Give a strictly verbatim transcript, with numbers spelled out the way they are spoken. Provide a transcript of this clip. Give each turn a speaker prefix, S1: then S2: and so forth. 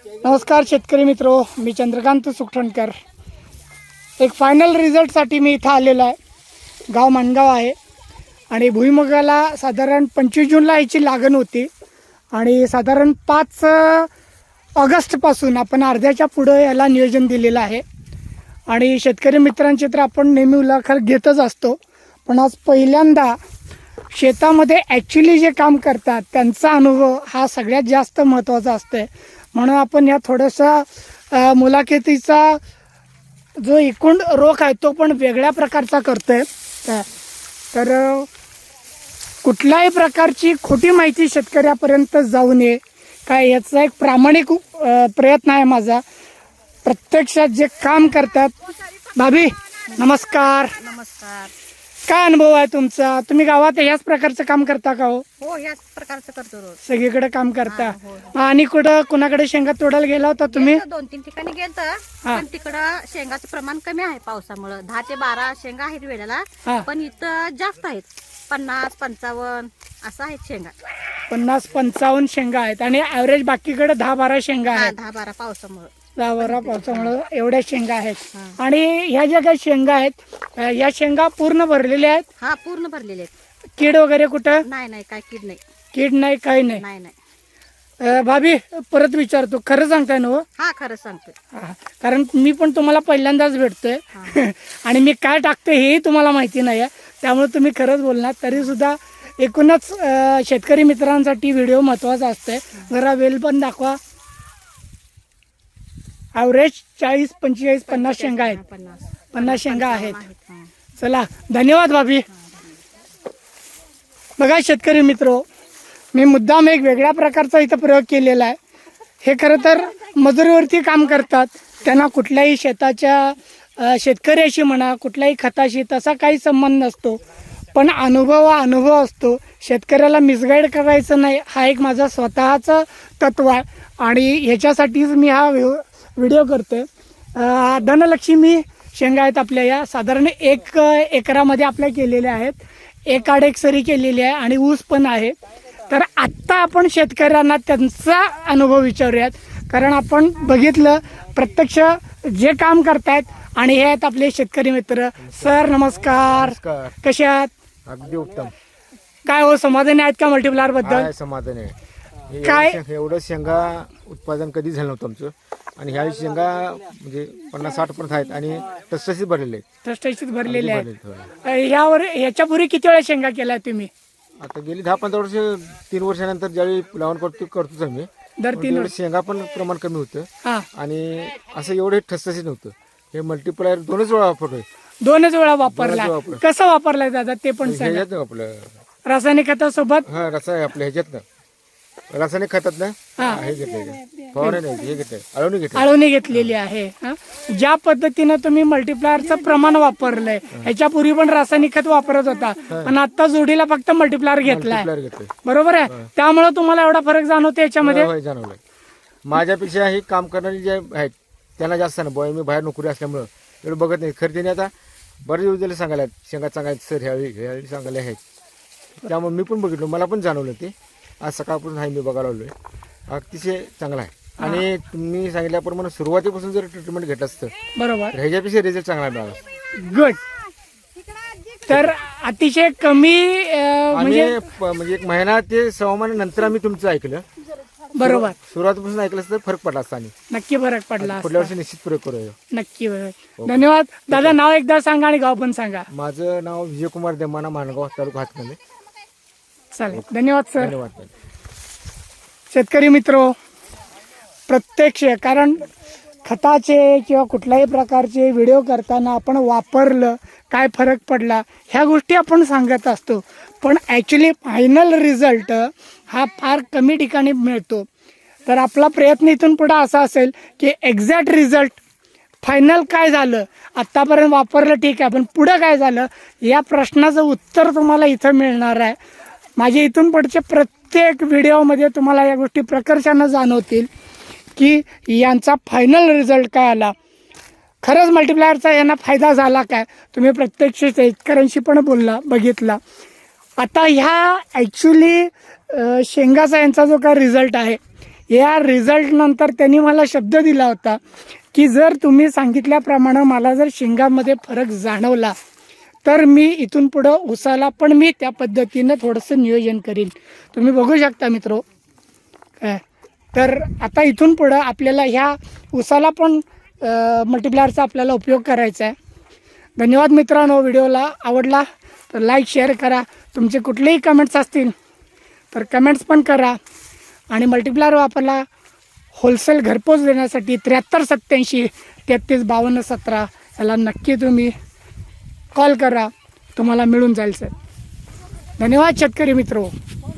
S1: नमस्कार शेतकरी मित्रो, मी चंद्रकांत सुखटणकर। एक फायनल रिझल्टसाठी मी इथं आलेलो आहे। गाव माणगाव आहे आणि भुईमुगाला साधारण पंचवीस जूनला याची लागण होती आणि साधारण पाच ऑगस्टपासून आपण अर्ध्याच्या पुढे याला नियोजन दिलेलं आहे। आणि शेतकरी मित्रांची तर आपण नेहमी मुलाखत घेतच असतो, पण आज पहिल्यांदा शेतामध्ये ॲक्च्युली जे काम करतात त्यांचा अनुभव हा सगळ्यात जास्त महत्त्वाचा असतो। म्हणून आपण या थोडासा मुलाखतीचा जो एकूण रोख आहे तो पण वेगळ्या प्रकारचा करतोय। तर कुठल्याही प्रकारची खोटी माहिती शेतकऱ्यापर्यंत जाऊ नये काय याचा एक प्रामाणिक प्रयत्न आहे माझा। प्रत्यक्षात जे काम करतात, भाभी नमस्कार।
S2: नमस्कार।
S1: काय अनुभव आहे तुमचा? तुम्ही गावात याच प्रकारचं काम करता का? हो
S2: हो, याच प्रकारचं करतो रोज,
S1: सगळीकडे काम करता।
S2: हो, हो.
S1: आणि कुठं कुणाकडे शेंगा तोडायला गेला होता तुम्ही?
S2: गेलतो, दोन तीन ठिकाणी गेलत, पण तिकडं शेंगाचं प्रमाण कमी आहे पावसामुळे। दहा ते बारा शेंगा आहेत वेळेला,
S1: हा.
S2: पण इथं जास्त आहेत, पन्नास पंचावन्न असं आहेत शेंगा।
S1: पन्नास पंचावन्न शेंगा आहेत आणि ऍव्हरेज बाकीकडे दहा बारा शेंगा
S2: हा,
S1: आहेत।
S2: दहा बारा पावसामुळे
S1: दहा बारा पावसामुळे एवढ्या शेंगा आहेत।
S2: हा.
S1: आणि ह्या ज्या काही शेंगा आहेत या शेंगा पूर्ण भरलेल्या आहेत?
S2: हा, पूर्ण भरलेले आहेत।
S1: कीड वगैरे कुठं?
S2: नाही नाही, काय कीड नाही,
S1: कीड नाही, काही नाही।
S2: नाही नाही।
S1: अं, भाभी परत विचारतो, खरं सांगताय ना? हो
S2: हा, खरं सांगतोय।
S1: हा, कारण मी पण तुम्हाला पहिल्यांदाच भेटतोय आणि मी काय टाकतोय हेही तुम्हाला माहिती नाही आहे, त्यामुळे तुम्ही खरंच बोलणार। तरी सुद्धा एकूणच शेतकरी मित्रांसाठी व्हिडिओ महत्त्वाचा असतोय। जरा वेल पण दाखवा। ॲव्हरेज चाळीस पंचेचाळीस पन्नास शेंगा आहेत,
S2: पन्नास
S1: पन्नास शेंगा आहेत।
S2: हा.
S1: चला, धन्यवाद भाभी। बघा शेतकरी मित्रो, मी मुद्दाम एक वेगळ्या प्रकारचा इथं प्रयोग केलेला आहे। हे खरं तर मजुरीवरती काम करतात, त्यांना कुठल्याही शेताच्या शेतकऱ्याशी म्हणा कुठल्याही खताशी तसा काही संबंध नसतो, पण अनुभव हा अनुभव असतो। शेतकऱ्याला मिसगाईड करायचं नाही, हा एक माझा स्वतःचं तत्व आहे आणि ह्याच्यासाठीच मी हा व्हिडिओ करतोय। धनलक्ष्मी शेंगा आहेत आपल्या, या साधारण एक एकरामध्ये आपल्या केलेल्या आहेत, एक आड एक सरी केलेली आहे आणि ऊस पण आहे। तर आत्ता आपण शेतकऱ्यांना त्यांचा अनुभव विचारूयात, कारण आपण बघितलं प्रत्यक्ष जे काम करतायत। आणि हे आहेत आपले शेतकरी मित्र। सर नमस्कार, कसे आहात?
S3: अगदी उत्तम।
S1: काय हो, समाधानी आहेत का मल्टीप्लायर बद्दल?
S3: काय समाधान आहे? हे
S1: काय?
S3: एवढं शे- एवढं शेंगा उत्पादन कधी झालं नव्हतं आमचं, आणि ह्या शेंगा म्हणजे पन्नास साठ पर्यंत आहेत आणि तसतशीच भरलेले आहेत।
S1: टसटशीत भरलेले
S3: अगदी
S1: आहेत।
S3: भरलेले, होय.
S1: यावर ह्याच्यापूर्वी किती वेळा शेंगा केल्या तुम्ही?
S3: आता गेली दहा पंधरा वर्ष, तीन वर्षानंतर ज्यावेळी लावण करतो करतोच आम्ही,
S1: दर
S3: पण
S1: तीन
S3: तेवढं
S1: वर्ष
S3: शेंगा पण प्रमाण कमी होतं
S1: हा,
S3: आणि असं एवढे ठसठशीत नव्हतं। हे मल्टीप्लायर दोनच वेळा वापरतोय।
S1: दोनच वेळा वापरला।
S3: वेळा वापरला.
S1: कसं वापरलाय दादा ते पण सांगा।
S3: ह्याच्यात आपलं
S1: रासायनिक खतासोबत?
S3: हा, रसा आहे आपल्या ह्याच्यात ना, रासायनिक खतात ना,
S1: हा.
S3: हे घेतलं, फवारणी नाही, हे घेतलं, अळवणी घेतलं।
S1: आळवणी घेतलेली आहे। हा, ज्या पद्धतीनं तुम्ही मल्टीप्लायरचं प्रमाण वापरलंय, ह्याच्यापूर्वी पण रासायनिक खत वापरत होता, पण आता जोडीला फक्त मल्टीप्लायर घेतलाय,
S3: मल्टीप्लायर घेतलंय,
S1: बरोबर आहे? त्यामुळे तुम्हाला एवढा फरक जाणवतो याच्यामध्ये?
S3: होय, जाणवलं। माझ्यापेक्षा हे काम करणारे जे आहेत त्यांना जास्त ना, बॉय मी बाहेर नोकरी असल्यामुळं एवढं बघत नाही। खरं त्याने आता बरेच दिवस झाले सांगायला शेंगा सांगायचं सर, ह्यावेळी ह्यावेळी सांगायला आहेत, त्यामुळे मी पण बघितलं, मला पण जाणवलं ते। आज सकाळपासून आहे मी बघायला आलोय, अतिशय चांगला आहे। आणि तुम्ही सांगितल्याप्रमाणे सुरुवातीपासून जर ट्रीटमेंट घेतलं असतं
S1: बरोबर,
S3: तर ह्याच्यापेक्षा रिझल्ट चांगला मिळाला।
S1: गुड। तर अतिशय कमी अं, म्हणजे
S3: आणि प- म्हणजे एक महिना ते सहा महिन्यानंतर आम्ही तुमचं ऐकलं,
S1: बरोबर,
S3: सुरुवातीपासून ऐकलं असतं तर फरक पडला असता आणि
S1: नक्की फरक पडला
S3: पुढल्या
S1: असता।
S3: वर्षी निश्चित प्रयोग करूया।
S1: नक्की बरोबर। धन्यवाद दादा। नाव एकदा सांगा आणि गाव पण सांगा।
S3: माझं नाव विजयकुमार देमाना, माणगाव तालुका हातकंदे।
S1: चालेल, धन्यवाद सर।
S3: धन्यवाद।
S1: शेतकरी मित्रो, प्रत्यक्ष कारण खताचे किंवा कुठल्याही प्रकारचे व्हिडिओ करताना आपण वापरलं, काय फरक पडला ह्या गोष्टी आपण सांगत असतो, पण ॲक्च्युली फायनल रिझल्ट हा फार कमी ठिकाणी मिळतो। तर आपला प्रयत्न इथून पुढे असा असेल की एक्झॅक्ट रिझल्ट फायनल काय झालं, आत्तापर्यंत वापरलं ठीक आहे, पण पुढं काय झालं या प्रश्नाचं उत्तर तुम्हाला इथं मिळणार आहे। माझे इथून पुढचे प्रत्येक व्हिडिओमध्ये तुम्हाला या गोष्टी प्रकर्षानं जाणवतील की यांचा फायनल रिझल्ट काय आला, खरंच मल्टीप्लायरचा यांना फायदा झाला काय। तुम्ही प्रत्यक्ष शेतकऱ्यांशी पण बोलला, बघितला। आता ह्या ॲक्च्युली शेंगाचा यांचा जो काय रिझल्ट आहे या रिझल्टनंतर त्यांनी मला शब्द दिला होता की जर तुम्ही सांगितल्याप्रमाणे मला जर शेंगामध्ये फरक जाणवला तर मी इथून पुढं उसाला पण मी त्या पद्धतीनं थोडंसं नियोजन करीन. तुम्ही बघू शकता मित्रो. काय तर आता इथून पुढं आपल्याला ह्या उसाला पण मल्टीप्लायरचा आपल्याला उपयोग करायचा आहे. धन्यवाद मित्रांनो. व्हिडिओला आवडला तर लाईक शेअर करा. तुमचे कुठलेही कमेंट्स असतील तर कमेंट्स पण करा. आणि मल्टीप्लायर वापरला होलसेल घरपोच देण्यासाठी त्र्याहत्तर सत्त्याऐंशी तेहतीस बावन्न सतरा याला नक्की तुम्ही कॉल करा, तुम्हाला मिळून जाईल सर. धन्यवाद शेतकरी मित्रो.